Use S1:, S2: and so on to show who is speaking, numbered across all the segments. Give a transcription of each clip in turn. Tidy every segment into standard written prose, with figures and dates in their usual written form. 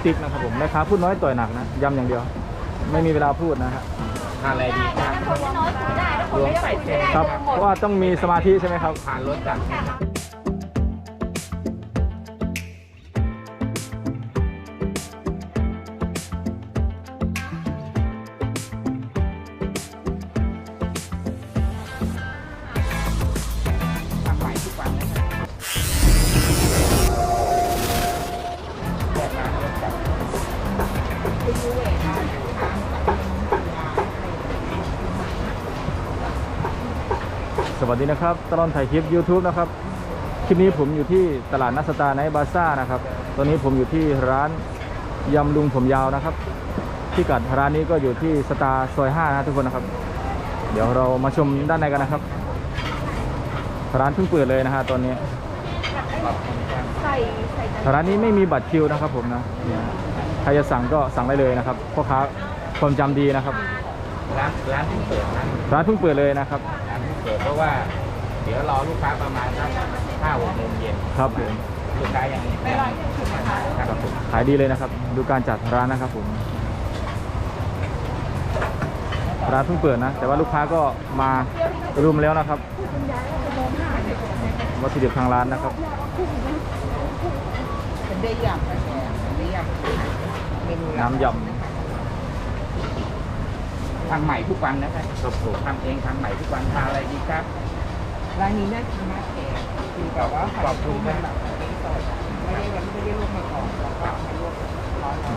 S1: ติ๊กนะครับผมแม่ค้าพูดน้อยต่อยหนักนะยำอย่างเดียวไม่มีเวลาพูดนะฮะ
S2: ทานอะไรดีครับรวมใส่เส้น
S1: ครับเพราะว่าต้องมีสมาธิใช่ไหมครับ
S2: ทานรสจัด
S1: สวัสดีนะครับตลอดถ่ายคลิป YouTube นะครับคลิปนี้ผมอยู่ที่ตลาดนัดสตาร์ไนท์บาซ่านะครับตอนนี้ผมอยู่ที่ร้านยำลุงผมยาวนะครับที่กัดร้านนี้ก็อยู่ที่สตาร์ซอย5นะทุกคนนะครับเดี๋ยวเรามาชมด้านในกันนะครับร้านเพิ่งเปิดเลยนะฮะตอนนี้ร้านนี้ไม่มีบัตรคิวนะครับผมนะใครจะสั่งก็สั่งได้เลยนะครับพ่อค้าความจำดีนะครับ
S2: ร้านเพิ่งเปิด
S1: ร้านเพิ่งเปิดเลยนะครับ
S2: ร้านเพิ่งเปิดเพราะว่าเดี๋ยวรอลูกค้าประมาณสัก5-6 โมงเย็น
S1: ครับผม
S2: ลูกค้ายัง
S1: ครับผมขายดีเลยนะครับดูการจัดร้านนะครับผมร้านเพิ่งเปิดนะแต่ว่าลูกค้าก็มารุมแล้วนะครับวัตถุดิบทางร้านนะครับ
S2: เป็นได้ยำ
S1: น้ำยำ
S2: ทำใหม่ทุกวันนะครับผมทำเองทำใหม่ทุกวันทานอะไรดีครับ
S3: ร้านนี้น่ากินมากแกคือแบบว่า
S2: ขอบคุณนะ
S3: ไม่ได้ลวกมาก่อนแล้วก็ให้ลวกร้อน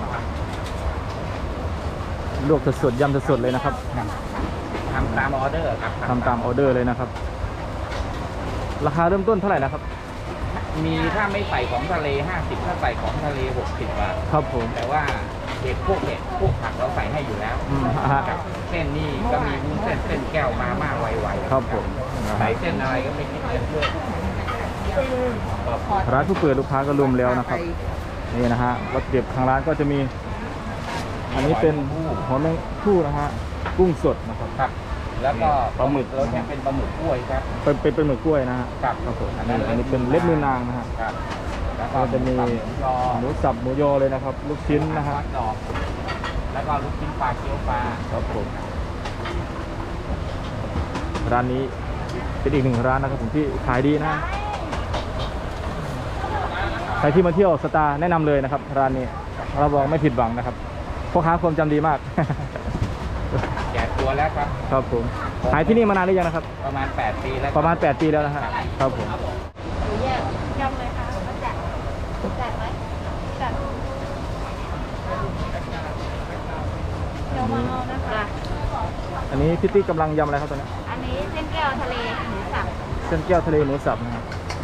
S1: ลวกสดๆยำสดๆเลยนะครับ
S2: ทำตามออเดอร์ครับ
S1: ทำตามออเดอร์เลยนะครับราคาเริ่มต้นเท่าไหร่นะครับ
S2: มีถ้าไม่ใส่ของทะเล50ถ้าใส่ของทะเล60 บาท
S1: ครับผม
S2: แต่ว่าเห็ดพวกผักเราใส่ให้อยู่แล้วเส้นนี่ก็มีวุ้นเส้นแก้วมาม่าไวๆ
S1: ครับผม
S2: ใส่เส้นอะไรก็ไม่คิดเงินด้วย
S1: ร้านผู้เปิดลูกค้าก็รวมแล้วนะครับนี่นะฮะวัตถุดิบทางร้านก็จะมีอันนี้เป็นหัวแมงผู้นะฮะกุ้งสดนะครับ
S2: แล้วก็ปลาหมึกเราเนี่ยเป็นปลาหมึกกล้วยครับ
S1: เป็นหมึกกล้วยนะฮะ
S2: ครับผม
S1: อันนี้เป็นเล็บมือนางนะฮะแล้วก็จะมีหมูสับหมูยอเลยนะครับลูกชิ้นนะฮะ
S2: แล้วก็ลูกชิ้นปลาเกี๊ยวปลา
S1: ครับผมร้านนี้เป็นอีกหนึ่งร้านนะครับผมที่ขายดีนะใครที่มาเที่ยวสตาร์แนะนำเลยนะครับร้านนี้เราบอกไม่ผิดหวังนะครับพ่อค้าความจำดีมาก
S2: แก่ตัวแล้วครับ
S1: ครับผมขายที่นี่มานานหรือยังนะครับ
S2: ประมาณ8 ปีแล้ว
S1: ประมาณ8 ปีแล้วนะฮะครับผม
S3: แยกยำเลยค่ะมาจัดไหมจัดเดี๋ยวมาเอานะคะ
S1: อันนี้พี่ตี้กำลังยำอะไรครับตอนนี้
S3: อันนี้เส้นแก้วทะเลหมูสับ
S1: เส้นแก้วทะเลหมูสับนะครับ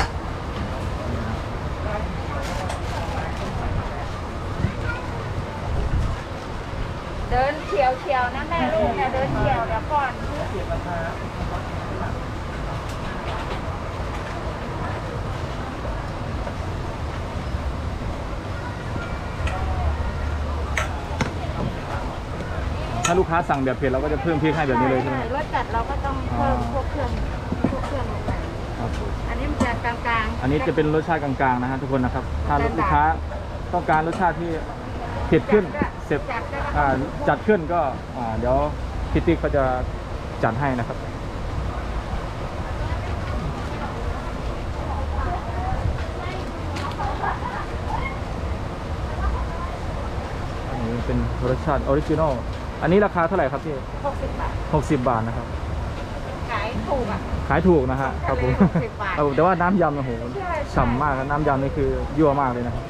S3: เดินเฉียวนะแม่ลูกเนี่ยเดินเฉียวเดี๋ยวก่อน
S1: ถ้าลูกค้าสั่งแบบเผ็ดเราก็จะเพิ่มพริกให้แบบนี้เลยใช่ไหม
S3: รสจัดเราก็ต้องเพิ่มพวกเครื่องลงไปอันนี้มันจะกลางๆ
S1: อันนี้จะเป็นรสชาติกลางๆนะฮะทุกคนนะครับถ้าลูกค้าต้องการรสชาติที่เผ็ดขึ้นเสร็จจัดขึ้นก็เดี๋ยวพี่ติ๊กเขาจะจัดให้นะครับอันนี้เป็นรสชาติออริจินอลอันนี้ราคาเท่าไหร่ครับพี่
S3: 60 บาท
S1: 60 บาทนะครับ
S3: ขายถูกอ่ะ
S1: ขายถูกนะฮะครับผมแต่ว่าน้ำยำโอ้โหฉ่ำมากน้ำยำนี่คือยั่วมากเลยนะครับ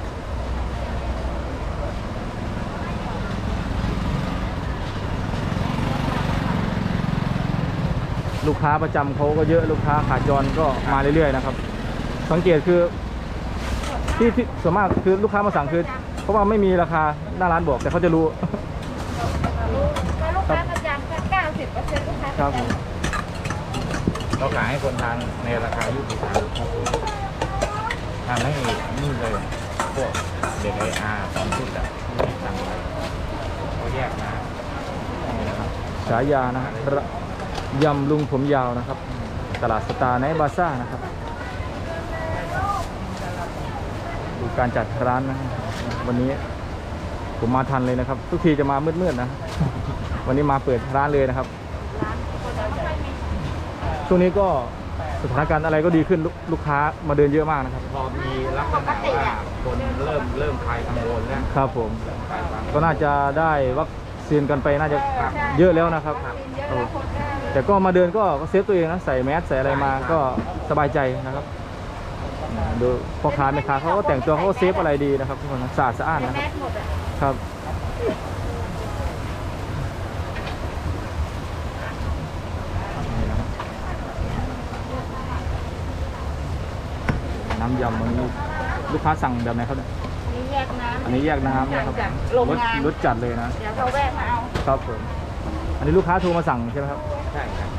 S1: ลูกค้าประจำเขาก็เยอะลูกค้าขาจรก็มาเรื่อยๆนะครับสังเกตคือที่ส่วนมากคือลูกค้ามาสั่งคือเพราะว่าไม่มีราคาหน้าร้านบอกแต่เขาจะรู้
S3: ลูกค้าประจำก็90%ลูกค้า
S1: ครับ
S2: เราขายให้คนทานในราคายุติธรรมทำให้นี่เลยพวกเด็กตอนชุดอะทำไว้เขาแยกมา
S1: ฉายานะยำลุงผมยาวนะครับตลาดสตาร์ไนท์บาซ่านะครับดูการจัดร้านนะวันนี้ผมมาทันเลยนะครับ ทุกทีจะมามืดๆนะ วันนี้มาเปิดร้านเลยนะครับ
S3: ร้านคนไม่ค่อยมี
S1: ช่วงนี้ก็สถานการณ์อะไรก็ดีขึ้นลูกค้ามาเดินเยอะมากนะครับ
S2: พอมีลักษณะว่าคนเริ่มคลายกังวลแล้ว
S1: ครับผม
S2: คลายความ
S1: ก็น่าจะได้วัคซีนกันไปน่าจะเยอะแล้วนะครับ
S3: กินเยอะแล้วคนก็
S1: แต่ก็มาเดินก็เซฟตัวเองนะใส่แมสใส่อะไรมาก็สบายใจนะครับดูพ่อค้าแม่ค้าเขาก็แต่งตัวเขาก็เซฟอะไรดีนะครับทุกคนนะสะอาดสะอ้านนะค
S3: แม
S1: รับ
S3: สหมดอ่ะ
S1: ครับนี่นะครับน้ำยำวันนี้ลูกค้าสั่งแบบไหนครับเนี่ย
S3: นี่แยกน้ำ
S1: อันนี้แยกน้ำนะครับ
S3: จากโรงงาน
S1: รสจัดเลยนะ
S3: เดี๋ยวเขาแวะมาเอา
S1: ครับผมอันนี้ลูกค้าโทรมาสั่งใช่ไหมครับ
S2: ใช่ครับ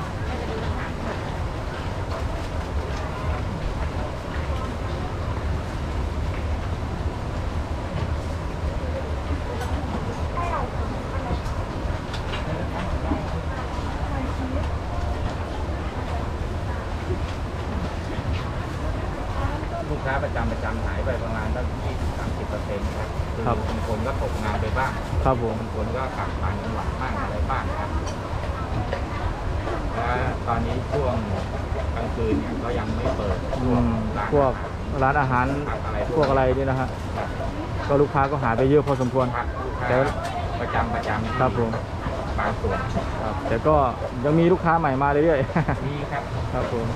S2: ลูกค้าประจำหายไปประมาณตั้ง20-30%ครับคือบางคนก็ตกงานไปบ้าง
S1: ครับผม
S2: บางคนก็กลับต่างจังหวัดบ้างอะไรบ้างครับและตอนนี้ช่วงกลางคืนเนี่ยก็ยังไม่เปิด
S1: อืมพวกร้านอาหารพวกอะไรนี่นะฮะก็ลูกค้าก็หายไปเยอะพอสมควร
S2: ครับลูกค้า
S1: แต่
S2: ประจำ
S1: ครับผม
S2: บางส่วน
S1: ครับแต่ก็ยังมีลูกค้าใหม่มาเรื่อย
S2: มีครับ
S1: ๆ ครับผม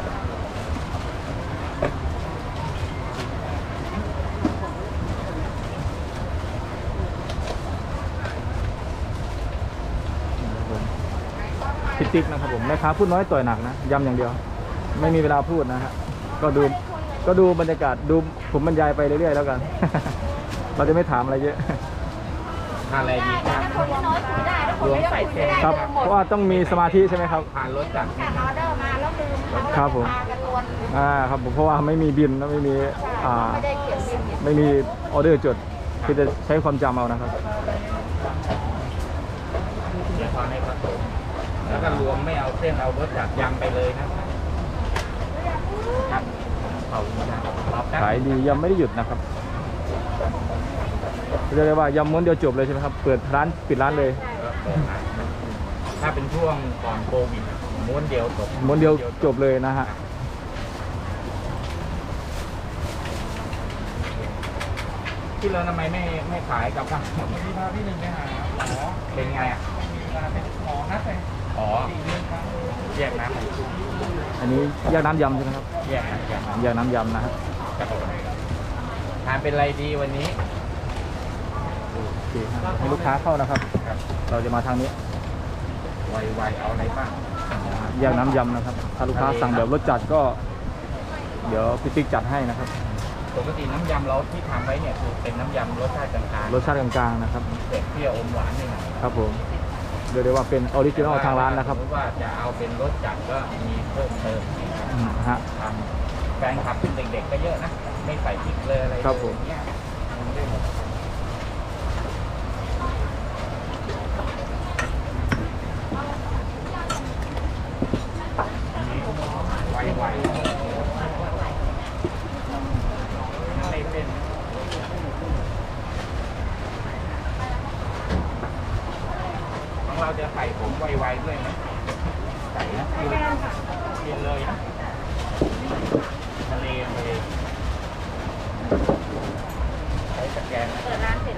S1: พี่ติ๊กนะครับผมแม่ค้าพูดน้อยต่อยหนักนะย้ำอย่างเดียว ไม่มีเวลาพูดนะฮะก็ดูบรรยากาศดูผมบรรยายไปเรื่อยๆแล้วกัน เราจะไม่ถามอะไรเยอะ
S2: ทานอะไรดีครับ
S3: ถ้าคนน้อยคุยได้ถ้าคนไม่คุยไม่ได้
S1: ครับ
S3: หม
S1: เพ
S3: ด
S1: ราะว่าต้องมีสมาธิใช่ไหมครับ
S2: ทานรสจัด
S3: สั่งออเดอร์มาแล้วลืมเขา
S1: ครับผม
S3: พากันวน
S1: ครับผมเพราะว่าไม่มีบินแล้วไม่มี
S3: ไม่ได้เขียนบิน
S1: ไม่มีออเดอร์จดคือจะใช้ความจำเอานะครับ
S2: เดี๋ยวพอในผสมแล้วก็รวมไม่เอาเส้นเอารสจัดยำไปเลยนะครับขอบคุณครับรอบแป๊บ
S1: ขายดียำไม่ได้หยุดนะครับเรียกได้ว่ายำม้วนเดียวจบเลยใช่ไหมครับเปิดร้านปิดร้านเลย
S2: ถ้าเป็นช่วงก่อนโควิดม้วนเดียวจบ
S1: ม้วนเดียวจบเลยนะฮะ
S2: ที่เราทำไมไม่ขายกับข้าวที่พาพี่หนึ่งไปหาหมอเป็นไงอ่ะหมอนัดเลยอ๋อแยกน้ำ
S1: อันนี้แยกน้ำยำใช่ไหมครับ
S2: แยกน้ำ
S1: แยกน้ำยำนะครับ
S2: ครับผมทานเป็นอะไรดีวันนี้
S1: โอเคครับให้ลูกค้าเข้านะครับ
S2: ครับ
S1: เราจะมาทางนี้
S2: ไวๆเอาอะไรบ้าง
S1: แยกน้ำยำนะครับถ้าลูกค้าสั่งแบบรสจัดก็ เดี๋ยวพี่ติ๊กจัดให้นะครับ
S2: ปกติน้ำยำเราที่ทำไว้เนี่ยคือเป็นน้ำยำรสชาติกลาง
S1: รสชาติกลางๆนะครับ
S2: ๆเผ็ดเปรี้ยวอมหวานหน่อย
S1: ครับผมเรียกได้ว่าเป็นออริจินอลทางร้านนะครับ
S2: สมมติว่าจะเอาเป็นรสจัดก็มีเพิ่มเติมนะครับ
S1: ฮะ
S2: ทำแฟนคลับเป็นเด็กๆก็เยอะนะ ไม่ใส่พริกเลยอะไรเลย
S1: ครับผม
S2: เนี่ยทำได้หมดอันนี้ไวๆไม่เป็นของเราจะใส่ผมไวๆด้วยไหมใส่นะกินเลยนะทะเลเลยใช้สแกนนะ
S3: เปิดร้านเสร็จแล้ว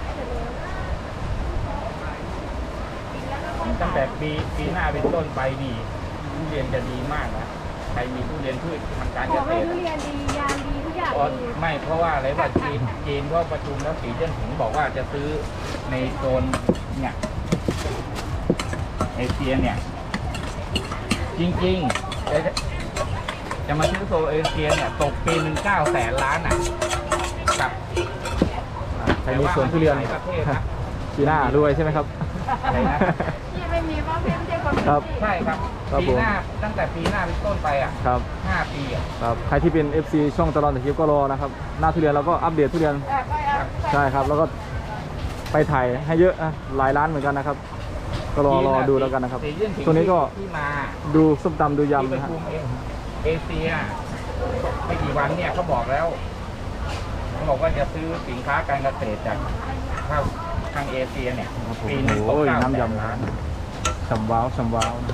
S2: ตั้งแต่ปีหน้าเป็นต้นไปดีทุเรียนจะดีมากนะใครมีทุเรียนพืชทางการเกษตร
S3: ทุเรียนดียางดีทุกอย่าง
S2: อ๋อ
S3: ดี
S2: ไม่เพราะว่าอะไรว่าจีนเขาประชุมแล้วสีเจิ้นผิงบอกว่าจะซื้อในโซนเนี่ยเอเชียเนี่ย จริงๆจะมาซื้อโซนเอเชียเนี่ยตกปีหนึ่ง900,000 ล้านอ่ะกับ
S1: ใครมีสวนทุเรียน
S2: หลายประเทศนะ
S1: ปีหน้ารวยใช่ไหมครับ
S2: อะไรนะ
S3: ที่ไม่มีเพราะเพื่อนไม่ใช่คน
S1: ครับ
S2: ใช่ครับ
S1: ครับ
S2: ปีหน้าตั้งแต่ปีหน้าเป็นต้นไปอ่ะ
S1: ครับ
S2: 5 ปีอ่ะ
S1: ครับใครที่เป็น FC ช่องตลอดถ่ายคลิปก็รอนะครับหน้าทุเรียนเราก็อัปเดตทุเรียน
S3: ก็เอา
S1: ใช่ครับ แล้วก็ไปถ่ายให้เยอะนะหลายร้านเหมือนกันนะครับ ก็รอดูแล้วกันนะครับ
S2: สีเจิ้นผิง
S1: ช่วงนี้ก็
S2: ที่มา
S1: ดูส้มตำดู
S2: ที่
S1: ยำ
S2: ประ
S1: นะฮะ
S2: ชุมเอเชียไม่กี่วันเนี่ยเขาบอกแล้วเขาบอกว่าจะซื้อสินค้าการเกษตรจากเข้าทางเอเชียเนี่ย
S1: ครับผม
S2: ปีหนึง
S1: โอ้ย
S2: 9
S1: น้ำยำ
S2: ล้าน
S1: สำว้าวสำว้าวนะ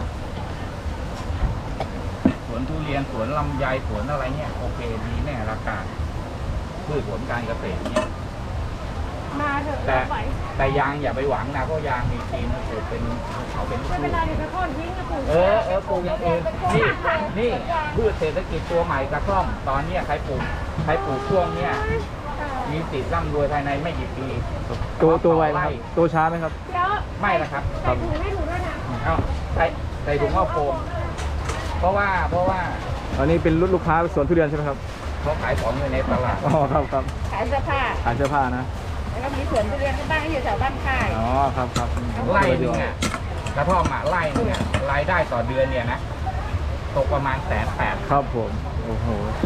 S2: สวนทุเรียนสวนลำไยสวนอะไรเนี่ยโอเคดีแน่ราคาพืชผลการเกษตรเนี่ย
S3: มาเถอะ
S2: แต่
S3: ไป
S2: แต่ยางอย่าไปหวังนะเพราะยางมีจีนมันปลูกเป็นเขาเป็น
S3: ไม่เป็นไรเดี๋ยวไปโค่นทิ้งก็ปลูก
S2: ปลูกอย่างอื่นนี่พืชเศรษฐกิจตัวใหม่กระท่อมตอนเนี้ยใครปลูกช่วงเนี้ยมีสิทธิ์ร่ำรวยภายในไม่กี่ปี
S1: ตัวไวไหมครับตัวช้าไหมครับ
S3: เดี๋ยว
S2: ไม่ละครับ
S3: ใส่ถุงให้หนูด้วยนะ
S2: เอาใส่ถุงข้าวโฟมเพราะว่า
S1: อันนี้เป็นลูกค้าสวนทุเรียนใช่ไหมครับ
S2: เขาขายของอยู่ในตลาด
S1: อ๋อครับครับ
S3: ขายเสื้อผ้า
S1: ขายเสื้อผ้านะ
S3: แล้วก็มีสวนทุเรียนที่บ้านอยู่แถวบ้านค่าย
S1: อ๋อครับครับ
S2: ไร่หนึงอ่ะกระท่อมอ่ะไร่หนึงอ่ะรายได้ต่อเดือนเนี่ยนะตกประมาณ180,000
S1: ครับผมโอ้โห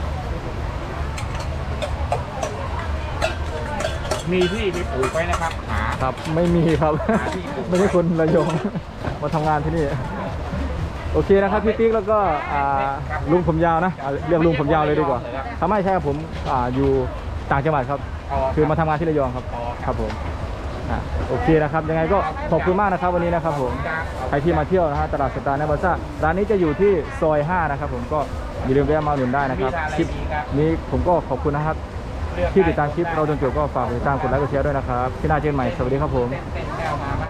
S2: มีที่ที่ปลูกไว้นะครับหา
S1: ครับไม่มีครับ
S2: หาที่ปลูก
S1: ไม่ใช่คนระยอง มาทำงานที่นี่ โอเคนะครับพี่ติ๊กแล้วก็ลุงผมยาวนะเรียกลุงผมยาวเลยดีกว่าทำไมใช่ครับผมอยู่ต่างจังหวัดครับ คือมาทำงานที่ระยองครับครับผมโอเคนะครับยังไงก็ขอบคุณมากนะครับวันนี้นะครับผมใครที่มาเที่ยวนะฮะตลาดสตาร์ในบาซ่าร้านนี้จะอยู่ที่ซอย 5 นะครับผมก็อย่าลืมแวะมาอุดหนุนได้นะครับคลิปนี้ผมก็ขอบคุณนะครับที่ติดตามคลิปเราจนจบก็ฝากติดตามกดไลค์กดแชร์ด้วยนะครับที่หน้าเจอกันใหม่สวัสดีครับผม
S2: เส้นแก้วมาไหม